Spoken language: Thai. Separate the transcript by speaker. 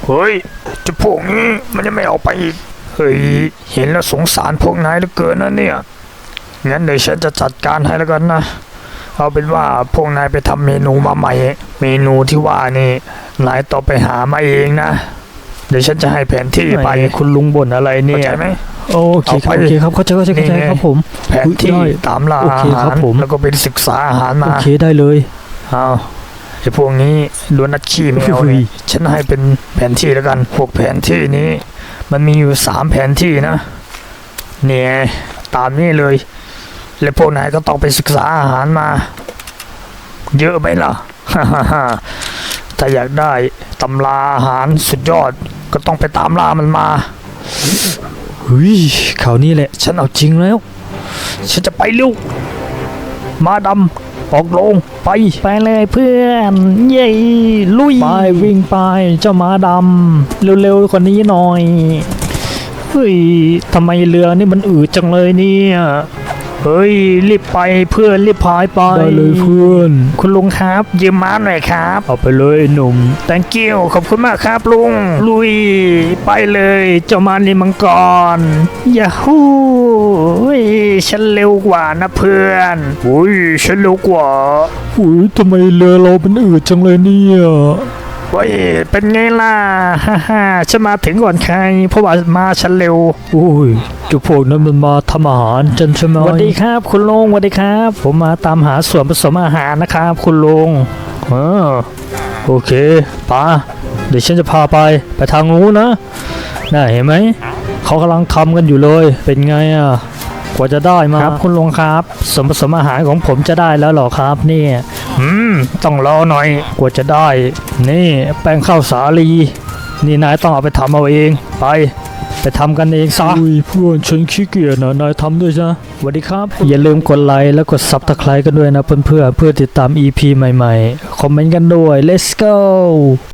Speaker 1: เฮ้ยจะพวกนี้มันยังไม่ออกไปอีกเฮ้ยเห็นแล้วสงสารพวกนายเหลือเกินนะเนี่ยงั้นเดี๋ยวฉันจะจัดการให้แล้วกันนะเอาเป็นว่าพวกนายไปทำเมนูมาใหม่เมนูที่ว่านี่นายต้องไปหามาเองนะเดี๋ยวฉันจะให้แผนที่ไปคุณลุงบ่นอะไรเนี่ยเข้าใจไหม
Speaker 2: โอเคครับโอเคครับเข้าใจครับผม
Speaker 1: แผนที่ตามล่าอาหารแล้วก็ไปศึกษาอาหารมา
Speaker 2: โอเคได้เลย
Speaker 1: เอาไอ้พวกนี้ล้วนนัดขี้แมวเลยฉันให้เป็นแผนที่แล้วกันพวกแผนที่นี้มันมีอยู่3แผนที่นะเนี่ยตามนี้เลยแล้วพวกนายก็ต้องไปศึกษาอาหารมาเยอะไหมล่ะ ถ้าอยากได้ตำราอาหารสุดยอดก็ต้องไปตามล่ามันมา
Speaker 2: เฮ้ยข่าวนี้แหละฉันเอาจริงแล้ว
Speaker 1: ฉันจะไปเร็วมาดำออกลงไป
Speaker 2: เลยเพื่อนเย้ลุยไปวิ่งไปเจ้าม้าดำเร็วๆกว่านี้หน่อยเฮ้ยทำไมเรือนี่มันอืดจังเลยเนี่ย
Speaker 1: เฮ้ยรีบไปเพื่อนรีบพายไป
Speaker 2: ได้เลยเพื่อน
Speaker 1: คุณลุงครับยืมม้าหน่อยครับ
Speaker 2: เอาไปเลยหนุ่ม
Speaker 1: thank you ขอบคุณมากครับลุงลุยไปเลยเจ้าม้านี่มังกรยาฮูฉันเร็วกว่านะเพื่อนอุ้ยฉันเร็วกว่า
Speaker 2: อุ้ยทำไมเรือเราเป็นอืดจังเลยเนี่ย
Speaker 1: เฮ้ยเป็นไงล่ะฮ่าฉันมาถึงก่อนใครเพราะว่ามาฉันเร็ว
Speaker 2: อุ้ยจุพวกนั้นมันมาทำอาหารจันใช่ไหม
Speaker 1: สวัสดีครับคุณลุงสวัสดีครับผมมาตามหาส่วนผสมอาหารนะครับคุณลุง
Speaker 2: โอเคป้าเดี๋ยวฉันจะพาไปทางนู้นนะน่าเห็นไหมเขากำลังทำกันอยู่เลยเป็นไงอ่ะกว่าจะได้มา
Speaker 1: ครับคุณลุงครับส่วนผสมอาหารของผมจะได้แล้วหรอครับนี่ต้องรอหน่อย
Speaker 2: กว่าจะได้นี่แป้งข้าวสาลีนี่นายต้องเอาไปทำเอาเองไปทำกันเองซะอุ้ยเพื่อนฉันขี้เกียจนะนายทำด้วยจ้ะสวัสดีครับอย่าลืมกดไลค์แล้วกดซับสไครต์กันด้วยนะเพื่อนเพื่อติดตาม EP ใหม่ๆคอมเมนต์กันด้วย let's go